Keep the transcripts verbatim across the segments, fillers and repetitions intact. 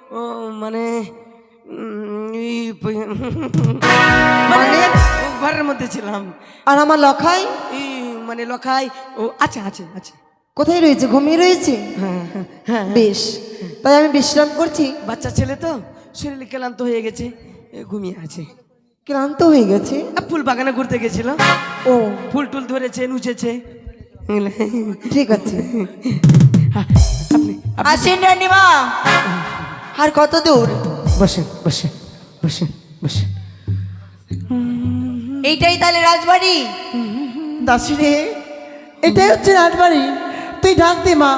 ও মানে মানে ঘরের মধ্যে ছিলাম। আর আমার লখাই মানে লখাই ও আচ্ছা আছে আছে কোথায় রয়েছে? ঘুমিয়ে রয়েছে? হ্যাঁ হ্যাঁ বেশ, তাই আমি বিশ্রাম করছি। বাচ্চা ছেলে তো শরীর ক্লান্ত হয়ে গেছে, ঘুমিয়ে আছে। ক্লান্ত হয়ে গেছে? ফুল বাগানে ঘুরতে গেছিল, ও ফুল টুল ধরেছে, নুচেছে। ঠিক আছে, আপনি আসেন রানীমা। আর কত দূর? বসেন বসেন বসেন বসেন। এইটাই তাহলে রাজবাড়ি? দাসী রে, এটাই হচ্ছে রাজবাড়ি, তুই ডাক দে মা।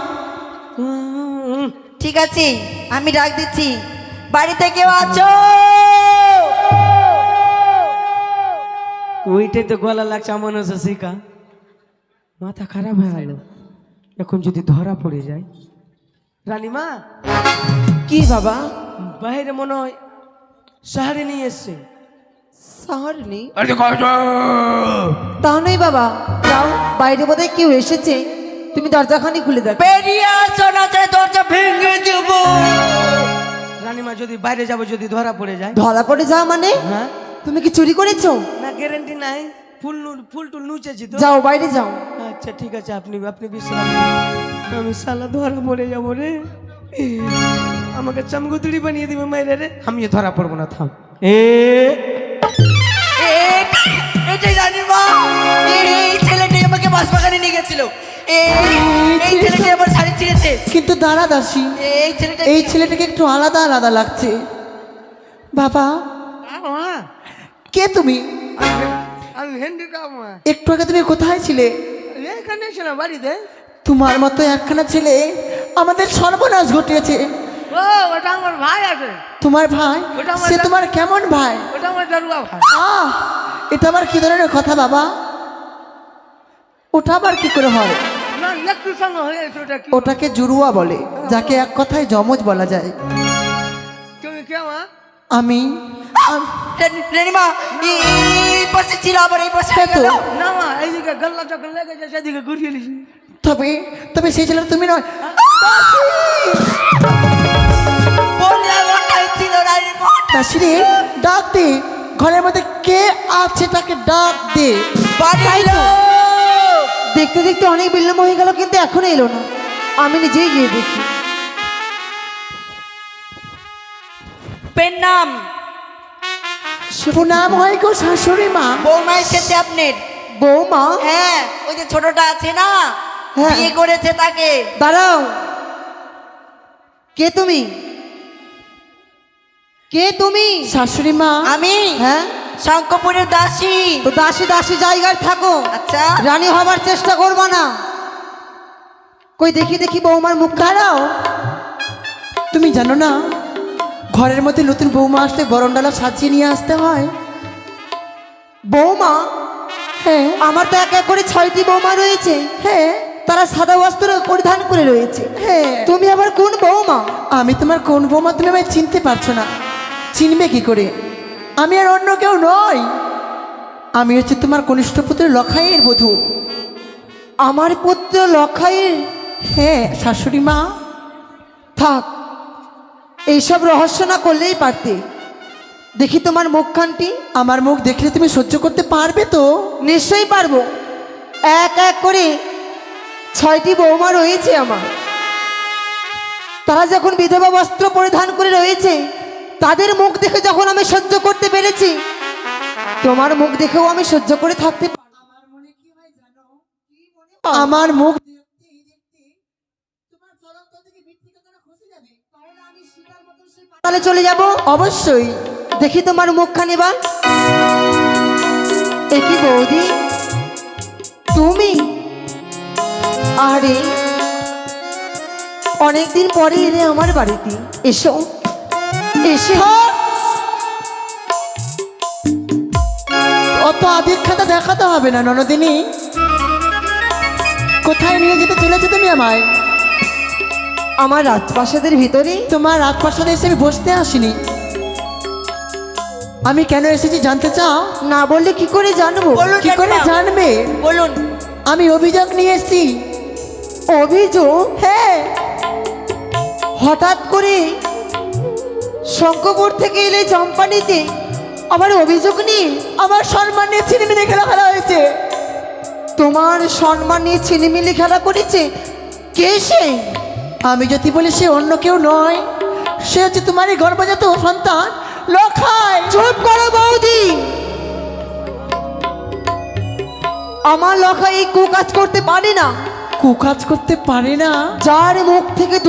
ঠিক আছে, আমি ডাক দিচ্ছি। বাড়িতে কেউ আছো? ওইটাই তো গলা লাগছে মনে হচ্ছে শিকা। মাথা খারাপ হয়ে গেল, এখন যদি ধরা পড়ে যায়। রানীমা। কি বাবা? বাইরে মনে হয় শহরে নিয়ে এসছে। শহর নেই? তা নয় বাবা, যাও, বাইরে বোধহয় কেউ এসেছে, তুমি দরজাখানি খুলে দাও। বেরিয়ে আসো, না চাই দরজা ভেঙে দেব। রানীমা, যদি বাইরে যাব, যদি ধরা পড়ে যায়। ধরা পড়ে যাও মানে? হ্যাঁ। তুমি কি চুরি করেছো? না, গ্যারান্টি নাই, ফুল ফুল টুল নুচেছি তো। যাও, বাইরে যাও। আচ্ছা ঠিক আছে, আপনি আপনি বিশ্রাম নিন। আমি শালা ধরা পড়ে যাবো রে, আমাকে চামগুতড়ি বানিয়ে দিবে মাইরে রে। আমিও ধরা পড়বো না, থাম। এ এটাই রানীমা, এই ছেলেটাই আমাকে বাসবাগানে নিয়ে গেছিল। এই ছেলেটাই আমার শাড়ি ছিঁড়েছে। কিন্তু দাঁড়া দাসী, এই ছেলেটা এই ছেলেটাকে একটু আলাদা আলাদা লাগছে। বাবা, কে তুমি? আমি হেন্ডিকা মা। একটু আগে তুমি কোথায় ছিলে? এখানে ছিলাম, বাড়িতে। তোমার মতো একখানা ছেলে আমাদের সর্বনাশ ঘটিয়েছে। ও, ওটা আমার ভাই আছে। তোমার ভাই? ওটা আমার সে দা- তোমার কেমন ভাই? ওটা আমার দারুয়া ভাই। আহ, এটা আবার কি ধরনের কথা বাবা? ওটা আবার কি করে হয়? না, একটু সঙ্গে হয়ে গেছে। ওটা কি? ওটাকে জুরুয়া বলে, যাকে এক কথায় যমজ বলা যায়। তুমি কে মা? আমি আম- রানীমা এই পাশে ছিল, আবার এই পাশে হ্যাঁ তো। গেল। না মা, এইদিকে গল্লা চকল লেগেছে, সেদিকে ঘুরিয়ে নিছি। তবে তবে সেই ছেলে তুমি নয়। বললাম ওটাই ছিল রানীমা। দাসী রে, ডাক দে, ঘরের মধ্যে কে আছে তাকে ডাক দে। বাড়ির লোক। দেখতে দেখতে অনেক বিলম্ব হয়ে গেল, কিন্তু এখনো এলো না। আমি নিজেই গিয়ে দেখি। পেন নাম শুভ নাম হয় গো শাশুড়ি মা। বৌমা এসেছে আপনার। বৌমা? হ্যাঁ, ওই যে ছোটটা আছে না, হ্যাঁ। বিয়ে করেছে তাকে। দাঁড়াও, কে তুমি? কে তুমি? শাশুড়ি মা। আমি? হ্যাঁ। শঙ্করপুরের দাসী। তো দাসী দাসী জায়গায় থাকো, আচ্ছা, রানী হবার চেষ্টা করবা না। কই দেখি দেখি বৌমার মুখ। দাঁড়াও, তুমি জানো না ঘরের মধ্যে নতুন বৌমা আসলে বরণডালা সাজিয়ে নিয়ে আসতে হয়? বৌমা? হ্যাঁ। আমার তো এক এক করে ছয়টি বৌমা রয়েছে। হ্যাঁ। তারা সাদা বস্ত্র পরিধান করে রয়েছে। হ্যাঁ। তুমি আবার কোন বৌমা? আমি তোমার কোন বৌমা তুমি আমায় চিনতে পারছো না? চিনবে কি করে? আমি আর অন্য কেউ নই, আমি হচ্ছে তোমার কনিষ্ঠ পুত্র লখাইয়ের বধূ। আমার পুত্র লখাইয়ের? হ্যাঁ শাশুড়ি মা। থাক, এইসব রহস্য না করলেই পারতে। দেখি তোমার মুখখানটি। আমার মুখ দেখলে তুমি সহ্য করতে পারবে তো? নিশ্চয়ই পারবো। এক এক করে ছয়টি বৌমা রয়েছে আমার। তারা যখন বিধবা বস্ত্র পরিধান করে রয়েছে, তাদের মুখ দেখে যখন আমি সহ্য করতে পেরেছি, তোমার মুখ দেখেও আমি সহ্য করে থাকতে পারবো। আমার মুখ তাহলে চলে যাব। অবশ্যই। দেখি তোমার মুখখানি বা। একই বৌদি, তুমি? আরে অনেকদিন পরে এলে আমার বাড়িতে। এসো, এসে অত আদিক্ষাতা দেখাতে হবে না ননদিনী। কোথায় নিয়ে যেতে চলেছো তুমি আমায়? আমার রাজপ্রাসাদের ভিতরে। তোমার রাজপ্রাসাদে এসে আমি বসতে আসিনি, আমি কেন এসেছি জানতে চাও? না বললে কি করে জানবো? কি করে জানবে? বলুন। আমি অভিযোগ নিয়ে এসেছি। অভিযোগ? হ্যাঁ। হঠাৎ করে শঙ্কপুর থেকে এলে চম্পানিতে আবার অভিযোগ নিয়ে আমার সম্মান নিয়ে ছিনিমিনি খেলা খেলা হয়েছে। তোমার সম্মান নিয়ে ছিনিমিনি খেলা করেছে? কে সে? আমি যদি বলি সে অন্য কেউ নয়, সে হচ্ছে তোমারই গর্ভজাত সন্তান লখাই। চুপ করো বৌদি, আমার লখাই এই কুকাজ করতে পারে না। কুকাজ করতে পারে না? যার মুখ থেকে